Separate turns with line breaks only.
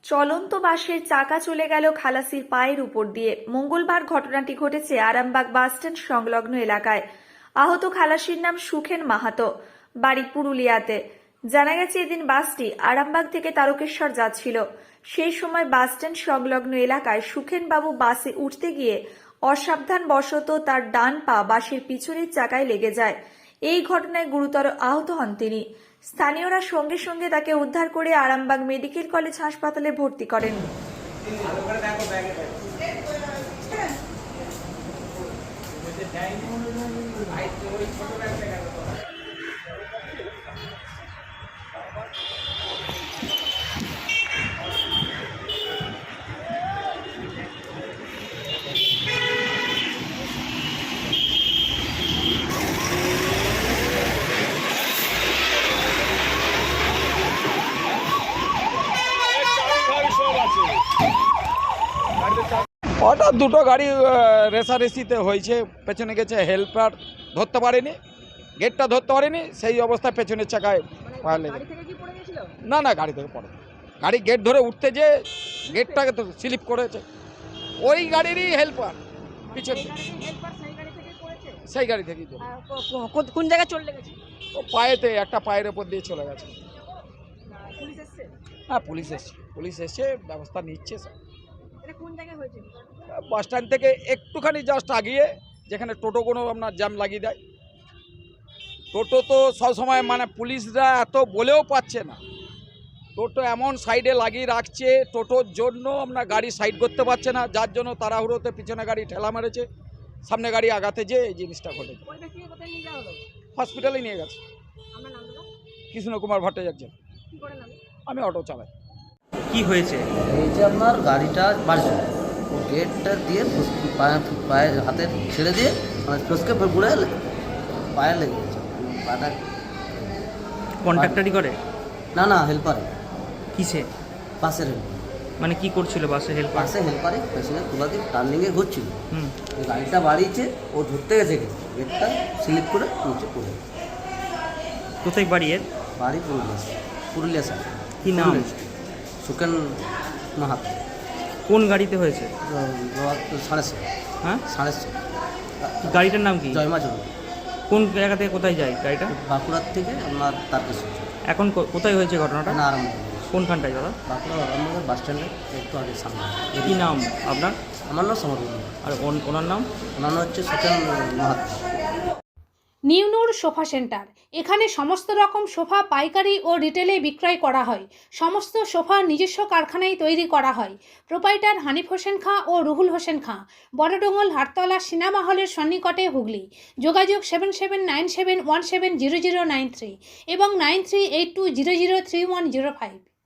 চলন্ত বাসের চাকা চলে গেল খালাসির পায়ের উপর দিয়ে। মঙ্গলবার ঘটনাটি ঘটেছে আরামবাগ বাসস্ট্যান্ড সংলগ্ন এলাকায়। আহত খালাসির নাম সুখেন মাহাতো, বাড়ি পুরুলিয়াতে। জানা গেছে এদিন বাসটি আরামবাগ থেকে তারকেশ্বর যাচ্ছিল। সেই সময় বাসস্ট্যান্ড সংলগ্ন এলাকায় সুখেন বাবু বাসে উঠতে গিয়ে অসাবধানবশত তার ডান পা বাসের পিছনের চাকায় লেগে যায়। এই ঘটনায় গুরুতর আহত হন তিনি। স্থানীয়রা সঙ্গে সঙ্গে তাকে উদ্ধার করে আরামবাগ মেডিকেল কলেজ হাসপাতালে ভর্তি করেন।
হঠাৎ দুটো গাড়ি রেসারেসিতে হয়েছে। পেছনে গেছে, হেল্পার ধরতে পারেনি, গেটটা ধরতে পারেনি, সেই অবস্থায় পেছনের চাকায় পা লেগে। না না, গাড়ি থেকে পড়ে, গাড়ি গেট ধরে উঠতে যে গেটটাকে তো স্লিপ করেছে। ওই গাড়িরই হেল্পার পিছন সেই গাড়ি থেকেই চলে।
কোন জায়গায় চলে গেছে?
ও পায়েতে, একটা পায়ের ওপর দিয়ে চলে গেছে। হ্যাঁ, পুলিশ এসছে, ব্যবস্থা নিচ্ছে।
কোন জায়গায় হয়েছে?
বাস স্ট্যান্ড থেকে একটুখানি জাস্ট আগিয়ে, যেখানে টোটোগুলো আপনার জ্যাম লাগিয়ে দেয়। টোটো তো সবসময় মানে পুলিশরা এত বলেও পাচ্ছে না, টোটো এমন সাইডে লাগিয়ে রাখছে, টোটোর জন্য আপনার গাড়ি সাইড করতে পারছে না, যার জন্য তাড়াহুড়োতে পিছনে গাড়ি ঠেলা মেরেছে, সামনে গাড়ি আগাতে যে এই জিনিসটা ঘটেছে। হসপিটালে নিয়ে গেছে। কৃষ্ণ কুমার ভট্টাচার্য। আমি অটো চালাই।
কি হয়েছে?
এই যে আপনার গাড়িটা বাড়ছে, ও গেটটা দিয়ে পায়ে হাতে ছেড়ে দিয়ে মানে ফসকে পুড়ে পায়ে লেগে গেছে। পাটা
কন্ট্রাক্টরই করে?
না না, হেল্পারে।
কিসে?
বাসের
মানে কি করছিল বাসে হেল্পার?
বাসে হেল্পারে পেছনে তোলা দিয়ে টার্নিংয়ে ঘুরছিল।
হুম,
গাড়িটা বাড়িয়েছে, ও ধরতে গেছে, গেটটা স্লিপ করে নিচে পড়ে।
কোথায় বাড়ি এর?
বাড়ি পুরুলিয়া স্যার।
কি নাম?
সুখেন মাহাতো।
কোন গাড়িতে হয়েছে?
6:30।
হ্যাঁ,
6:30।
গাড়িটার নাম কি?
জয়মা জরুরি।
কোন জায়গা থেকে কোথায় যায় গাড়িটা?
বাঁকুড়ার থেকে আপনার তারকেশ্বর।
এখন কোথায় হয়েছে ঘটনাটা?
না, আরম্ভ
কোনখানটায় দাদা?
বাঁকুড়া আরামবাগের বাস স্ট্যান্ডে একটু আগে সামনে।
কি নাম আপনার?
আমার নাম সমর্পণ।
আর ওনার নাম?
ওনার নাম হচ্ছে সুখেন মাহাতো।
নিউনুর সোফা সেন্টার। এখানে সমস্ত রকম সোফা পাইকারি ও রিটেলে বিক্রয় করা হয়। সমস্ত সোফা নিজস্ব কারখানায় তৈরি করা হয়। প্রোপাইটার হানিফ হোসেন খাঁ ও রুহুল হোসেন খাঁ, বড়ডোঙ্গল হাটতলা সিনেমা হলের সন্নিকটে, হুগলি। যোগাযোগ 7797170093 এবং 9382003105।